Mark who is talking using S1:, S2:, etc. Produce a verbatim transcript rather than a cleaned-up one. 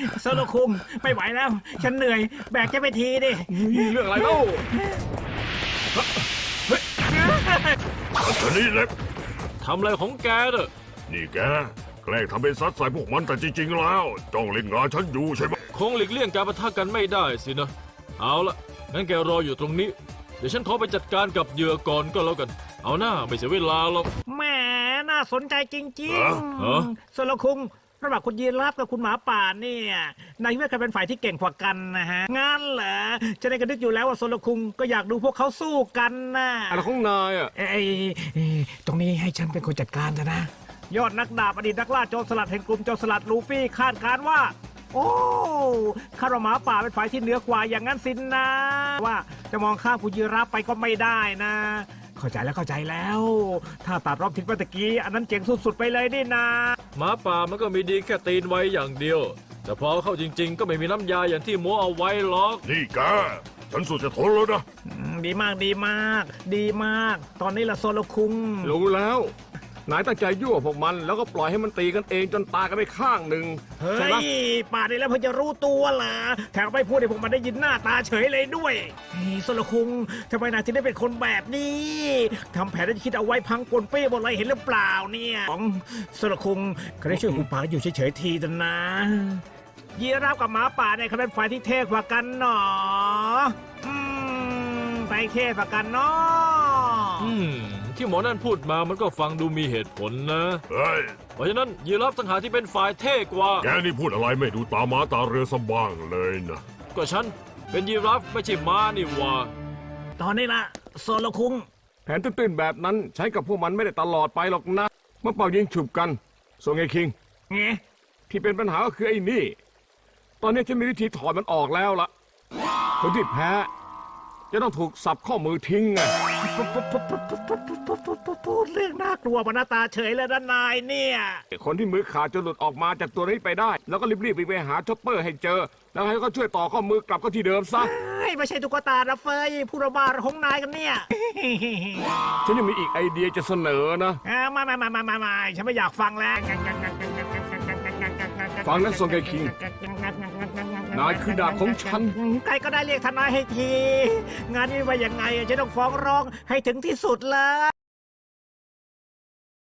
S1: โซโลคุงไม่ไหวแล้ว ฉันเหนื่อยแบกแกไปทีดิ
S2: เรื่องอะไรเล่า
S3: อันนี้เล็ก
S2: ทำอะไรของแกเด้อ
S3: นี่แกแกล้งทำเป็นซัดใส่พวกมันแต่จริงๆแล้วจ้องเล่นงานฉันอยู่ใช่ไหม
S2: คงหลีกเลี่ยงการปะทะกันไม่ได้สินะเอาละงั้นแกรออยู่ตรงนี้เดี๋ยวฉันขอไปจัดการกับเหยื่อก่อนก็แล้วกันเอาหน้าไม่เสียเวลาหรอก
S1: แหมน่าสนใจจริง
S2: ฮะ
S1: ๆโซโลคุงระหว่างคุณยีราฟกับคุณหมาป่าเนี่ยนายว่าใครเป็นฝ่ายที่เก่งกว่ากันนะฮะงั้นเหรอจะได้กระดึกอยู่แล้วว่าโซโลคุงก็อยากดูพวกเขาสู้กันนะ
S2: อะไรของนายอ่ะ
S1: เอ้ยเอ้ยตรงนี้ให้ฉันเป็นคนจัดการเถอะนะ ยอดนักดาบอดีตนักล่าโจรสลัดแห่งกลุ่มโจรสลัดลูฟี่คาดการณ์ว่า โอ้คาราหมาป่าเป็นฝ่ายที่เหนือกว่าอย่างนั้นสินนะ ว่าจะมองข้ามผู้ยีราฟไปก็ไม่ได้นะ เข้าใจแล้วเข้าใจแล้ว ถ้าตัดรอบทิ้งไปตะกี้อันนั้นเจ๋งสุดๆไปเลยนี่นะ
S2: หมาป่ามันก็มีดีแค่ตีนไว้อย่างเดียว แต่พอเข้าจริง ๆ ก็ไม่มีน้ำยาอย่างที่โม้เอาไว้หรอก
S3: นี่แกฉันสุดจะทนแล้วนะ
S1: อืมดีมากดีมาก ดีมาก ตอนนี้ละโซโลคุง
S4: รู้แล้วนายตั้งใจยั่วพวกมันแล้วก็ปล่อยให้มันตีกันเองจนตายกันไปข้างหนึ่ง
S1: เฮ้
S4: ใช่ไหม
S1: ยป่านนี้แล้วเพิ่งจะรู้ตัวเหรอแถมไม่พูดให้พวกมันได้ยินหน้าตาเฉยเลยด้วยเฮ้ยโซโลคุงทำไมนายถึงได้เป็นคนแบบนี้ทำแผนที่คิดเอาไว้พังปนเป้หมดเลยเห็นหรือเปล่าเนี่ยของโซโลคุงเขาได้ช่วยหุบปากอยู่เฉยๆทีเถอะนะยีราฟกับหมาป่าเนี่ยเขาเป็นฝ่ายที่เท่กว่ากันหนออืมไปเท่กว่ากันเนาะ
S2: อืม ที่หมอนั่นพูดมามันก็ฟังดูมีเหตุผลนะ
S3: เฮ้ย
S2: เพราะฉะนั้นยีราฟต่างหากที่เป็นฝ่ายเท่กว่า
S3: แกนี่พูดอะไรไม่ดูตาม้าตาเรือสกบ้างเลยนะ
S2: ก็ฉันเป็นยีราฟไม่ใช่ม้านี่หว่า
S1: ตอนนี้ละโซโลคุง
S4: แผนตื้นๆแบบนั้นใช้กับพวกมันไม่ได้ตลอดไปหรอกนะเมื่อเป่ายิงฉุบกันส่วนไอ้คิง
S1: เงี้
S4: ที่เป็นปัญหาก็คือไอ้นี่ ตอนนี้ฉันมีวิธีถอดมันออกแล้วล่ะคนที่แพ้จะต้องถูกสับข้อมือทิ้งไง
S1: พูดเรื่องน่ากลัวมาหน้าตาเฉยเลยนะนายเนี่ย
S4: คนที่มือขาดจะหลุดออกมาจากตัวนี้ไปได้ แล้วก็รีบๆไปไปหาช็อปเปอร์ให้เจอ แล้วให้เขาช่วยต่อข้อมือกลับก็ที่เดิมซะ
S1: เฮ้ยไม่ใช่ตุ๊กตานะเฟยผู้ระบาดของนายกันเนี่ย
S4: ฉันยังมีอีกไอเดียจะเสนอนะ
S1: อ่ามามามามามามาฉันไม่อยากฟังแล้ว
S4: ฟังนะซงไกคิง นายคือดาบของฉัน
S1: ใครก็ได้เรียกทนายให้ที งานนี้ว่ายังไงฉันต้องฟ้องร้องให้ถึงที่สุดเล